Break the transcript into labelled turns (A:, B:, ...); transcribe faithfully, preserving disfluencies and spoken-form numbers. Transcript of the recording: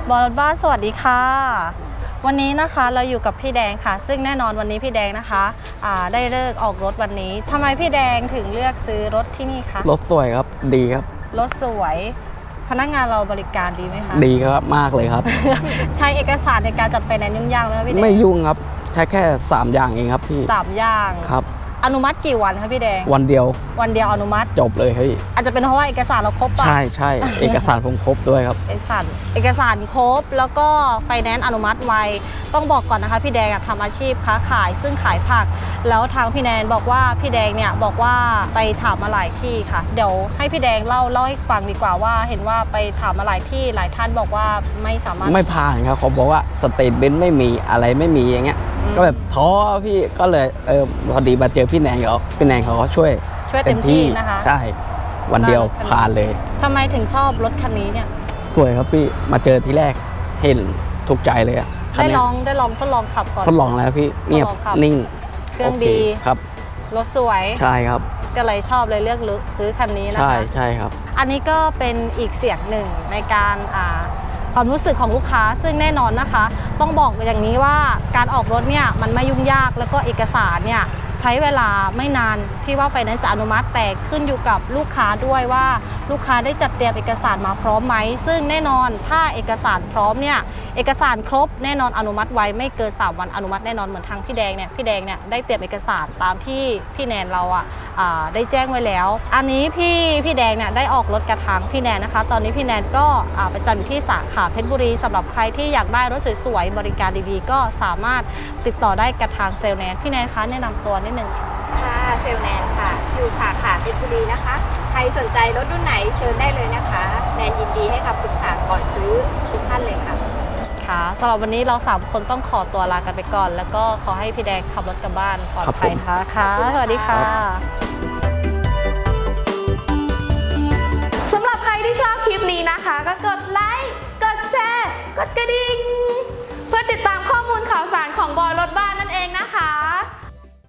A: บอลรถบ้านสวัสดีค่ะวันนี้นะคะเราอยู่กับพี่แดงค่ะซึ่งแน่นอนวันนี้พี่แดงนะคะได้เลิกออกรถวันนี้ทำไมพี่แดงถึงเลือกซื้อรถที่นี่คะ
B: รถสวยครับดีครับ
A: รถสวยพนักงานเราบริการดีไหมคะ
B: ดีครับมากเลยครับ
A: ใช้เอกสารในการจัดไฟแนนซ์ยุ่งยากไหมพี่แดง
B: ไม่ยุ่งครับใช้แค่สามอย่างเองครับพี่
A: สามอย่าง
B: ครับ
A: อนุมัติกี่วันคะพี่แดง
B: วันเดียว
A: วันเดียวอนุมัติ
B: จบเลยเฮ้ย
A: อาจจะเป็นเพราะว่าเอกสารเราครบป่ะ
B: ใช่ใช่เอกสารผมครบด้วยครับ
A: เอกสารเอกสารครบแล้วก็ไฟแนนซ์อนุมัติไวต้องบอกก่อนนะคะพี่แดงทำอาชีพค้าขายซึ่งขายผักแล้วทางพี่แนนบอกว่าพี่แดงเนี่ยบอกว่าไปถามมาหลายที่ค่ะเดี๋ยวให้พี่แดงเล่าเล่าให้ฟังดีกว่าว่าเห็นว่าไปถามมาหลายที่หลายท่านบอกว่าไม่สามารถ
B: ไม่ผ่านครับเขาบอกว่าสเตทเมนต์ไม่มีอะไรไม่มีอย่างเงี้ยก็แบบท้อพี่ก็เลยเออพอดีมาเจอพี่แนนเขาพี่แนนเขาก็ช่วย
A: ช่วยเต็มที่นะคะ
B: ใช่วันเดียวผ่านเลย
A: ทำไมถึงชอบรถคันนี้เนี่ย
B: สวยครับพี่มาเจอทีแรกเห็นถูกใจเลยอะ
A: ได้ลองได้ลองทดลองขับก่อน
B: ทดลองแล้วพี่เงียบนิ่ง
A: เครื่องดี
B: ครับ
A: รถสวย
B: ใช่ครับ
A: ก็เลยชอบเลยเลือกซื้อคันนี้นะคะ
B: ใช่ใช่ครับ
A: อันนี้ก็เป็นอีกเสียงหนึ่งในการอ่าความรู้สึกของลูกค้าซึ่งแน่นอนนะคะต้องบอกอย่างนี้ว่าการออกรถเนี่ยมันไม่ยุ่งยากแล้วก็เอกสารเนี่ยใช้เวลาไม่นานที่ว่าไฟแนนซ์จะอนุมัติแต่ขึ้นอยู่กับลูกค้าด้วยว่าลูกค้าได้จัดเตรียมเอกสารมาพร้อมไหมซึ่งแน่นอนถ้าเอกสารพร้อมเนี่ยเอกสารครบแน่นอนอนุมัติไว้ไม่เกินสามวันอนุมัติแน่นอนเหมือนทางพี่แดงเนี่ยพี่แดงเนี่ยได้เตรียมเอกสารตามที่พี่แนนเราอ่ะได้แจ้งไว้แล้วอันนี้พี่พี่แดงเนี่ยได้ออกรถกระทางพี่แนนนะคะตอนนี้พี่แนนก็ประจำอยู่ที่สาขาเพชรบุรีสำหรับใครที่อยากได้รถสวยๆบริการดีๆก็สามารถติดต่อได้กระทางเซลล์แนนพี่แนนคะแนะนำตัวนิดนึงค่ะ
C: ค่ะเซลแนนค่ะอยู่สาขาเพชรบุรีนะคะใครสนใจรถรุ่นไหนเชิญได้เลยนะคะแนนยินดีให้คำปรึกษาก่อนซื้อทุกท่านเลยค่ะ
A: ค่ะสำหรับวันนี้เราสามคนต้องขอตัวลากันไปก่อนแล้วก็ขอให้พี่แดงขับรถกลับบ้านปลอดภัยนะคะค่ะสวัสดีค่ะ
D: สำหรับใครที่ชอบคลิปนี้นะคะก็กดไลค์กดแชร์กดกระดิ่งเพื่อติดตามข้อมูลข่าวสารของบอยรถบ้านนั่นเองนะคะ